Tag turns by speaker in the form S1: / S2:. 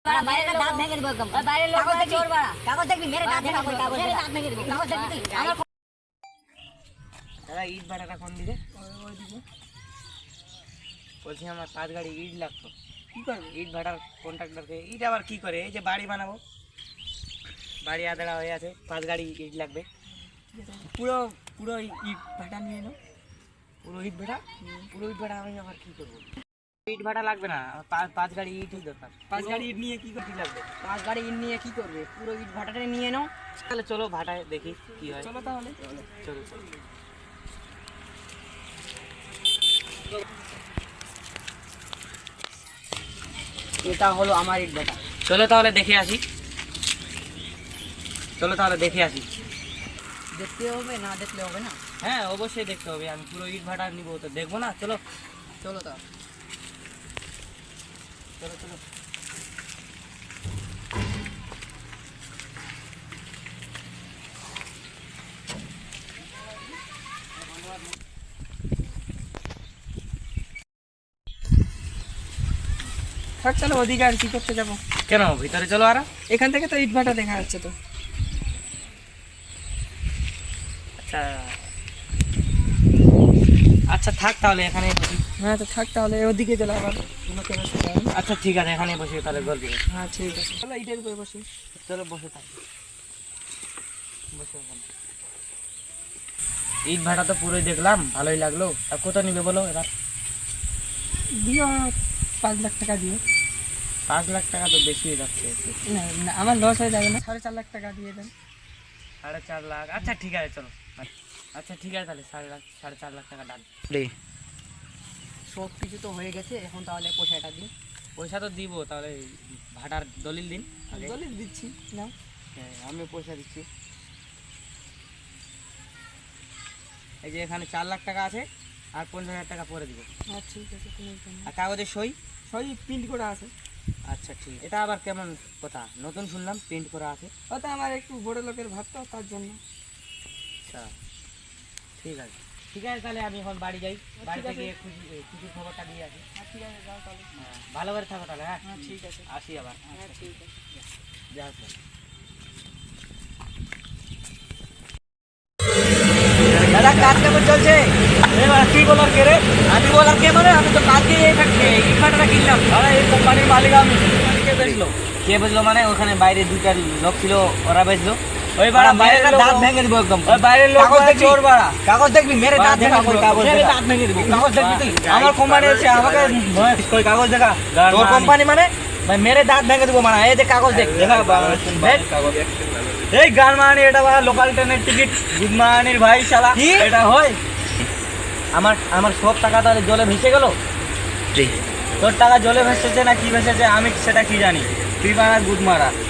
S1: বাইরে দাঁত ভেঙে দেবো একদম। বাইরের লোক বলছে চোর বাড়া। কাগজ দেখবি মেরে দাঁত ভেঙে দেবো। মেরে দাঁত ভেঙে দেবো। কাগজ দেখবি তুই?
S2: দাদা ইট ভাড়াটা কোন দিকে? বলছি আমার 5 গাড়ি ইট লাগতো।
S3: কি করবে?
S2: ইট ভাড়ার কন্ট্রাক্টরকে ইট আবার কি করে? এই যে বাড়ি বানাবো, বাড়ি আদড়া হয়ে আছে, 5 গাড়ি ইট লাগবে।
S3: পুরো পুরো ইট ভাটা নিয়ে নাও।
S2: পুরো ইট ভাড়া? পুরো ইট ভাড়া আমি আবার কি করবো? ইট ভাড়া লাগবে না, 5 গাড়ি ইটই দরকার।
S3: 5 গাড়ি ইট নিয়ে কি করতে লাগবে?
S1: 5 গাড়ি ইট নিয়ে কি করবে? পুরো ইট ভাটাটা নিয়ে নাও।
S2: তাহলে চলো ভাটায় দেখি কি হয়।
S3: চলো তাহলে।
S2: চলো চলো।
S1: এটা হলো আমার ইট ভাটা।
S2: চলো তাহলে দেখে আসি। চলো তাহলে দেখে আসি।
S1: দেখতে হবে না দেখলে হবে না।
S2: হ্যাঁ অবশ্যই দেখতে হবে, আমি পুরো ইট ভাটা নিবো তো দেখবো না। চলো
S1: চলো তাহলে।
S2: চলো চলো।
S3: থাক তাহলে ওদিকে আর কি করতে যাবো?
S2: কেন ভিতরে চলো আর।
S3: এখান থেকে তো ইট ভাটা দেখা যাচ্ছে তো।
S2: আচ্ছা আচ্ছা থাক তাহলে এখানে বসি।
S3: হ্যাঁ তো থাক তাহলে ওদিকে চলে আবার কোনো কেন যাবে না।
S2: আচ্ছা ঠিক আছে এখানে বসে তাহলে গল্প করি।
S3: হ্যাঁ ঠিক আছে, চলো ইটের উপরে বসি।
S2: চলো বসে থাক। বসে ওখানে। ইট ভাটা তো পুরোই দেখলাম, ভালোই লাগলো। আর কত নিবে বলো এবার?
S3: দিও 5 লাখ টাকা দিও।
S2: 5 লাখ টাকা তো বেশি হয়ে যাচ্ছে।
S3: না না আমার লস হয়ে যাবে না, 4.5 লাখ টাকা দিয়ে দেন।
S2: 4.5 লাখ? আচ্ছা ঠিক আছে চলো। আচ্ছা ঠিক আছে তাহলে 4.5 লাখ টাকা ডান।
S1: সব কিছু তো হয়ে গেছে, এখন তাহলে পয়সাটা দিন।
S2: পয়সা তো দিব, তাহলে ভাটার দলিল দিন আগে।
S3: দলিল দিচ্ছি না।
S2: হ্যাঁ আমি পয়সা দিচ্ছি। এই যে এখানে 4 লাখ টাকা আছে, আর 50,000 টাকা পরে দিব।
S3: হ্যাঁ ঠিক আছে, কোনো ব্যাপার না।
S2: আর কাগজের সই?
S3: সবই প্রিন্ট করা আছে।
S2: আচ্ছা ঠিক। এটা আবার কেমন কথা, নতুন শুনলাম প্রিন্ট করা আছে।
S3: ওটা আমার একটু বড় লোকের ভাত তো, তার জন্য।
S2: আচ্ছা ঠিক আছে। ঠিক আছে তাহলে আমি এখন বাড়ি যাই, বাড়িতে গিয়ে খুশি খবরটা দিয়ে আসি।
S3: হ্যাঁ ঠিক আছে, যাও তাহলে।
S2: হ্যাঁ ভালো করে থাকো তাহলে। হ্যাঁ
S3: হ্যাঁ ঠিক আছে।
S2: আসি আবার।
S3: হ্যাঁ ঠিক আছে।
S2: যাও।
S1: দাদা কাজ কেমন চলছে?
S2: এবার কি বলার কে রে?
S1: আমি বলার কে মানে? আমি তো কালকে ইট ভাটাটা কিনলাম।
S2: আরে এই কোম্পানির মালিক আমি। কে বেচলো? কে বেচলো মানে? ওখানে বাইরে 2টা লোক ছিল, ওরা বেচলো।
S1: ওই বাড়া বাইরের দাঁত ভেঙে দেবো একদম।
S2: ওই বাইরের লোক
S1: কাগজ দেখবি?
S2: চোর বাড়া।
S1: কাগজ দেখবি মেরে দাঁত ভেঙে দেবো।
S2: কাগজ
S1: মেরে
S2: দেখা।
S1: দাঁত ভেঙে দেবো। কাগজ দেখবি তুই?
S2: আমার কোম্পানি এসে আমাকে কই কাগজ দেখা।
S1: তোর কোম্পানি মানে? ভাই মেরে দাঁত ভেঙে দেবো মানে। এই যে কাগজ দেখ।
S2: দেখা
S1: দেখ।
S2: এই গান মানি এটা বাড়া লোকাল ট্রেনের টিকিট গুড মানির ভাই শালা।
S1: কি?
S2: এটা হয়? আমার সব টাকা তাহলে জলে ভেসে গেল। তোর টাকা জলে ভেসেছে না কি ভেসেছে আমি সেটা কি জানি। তুই বাড়া গুড মারা।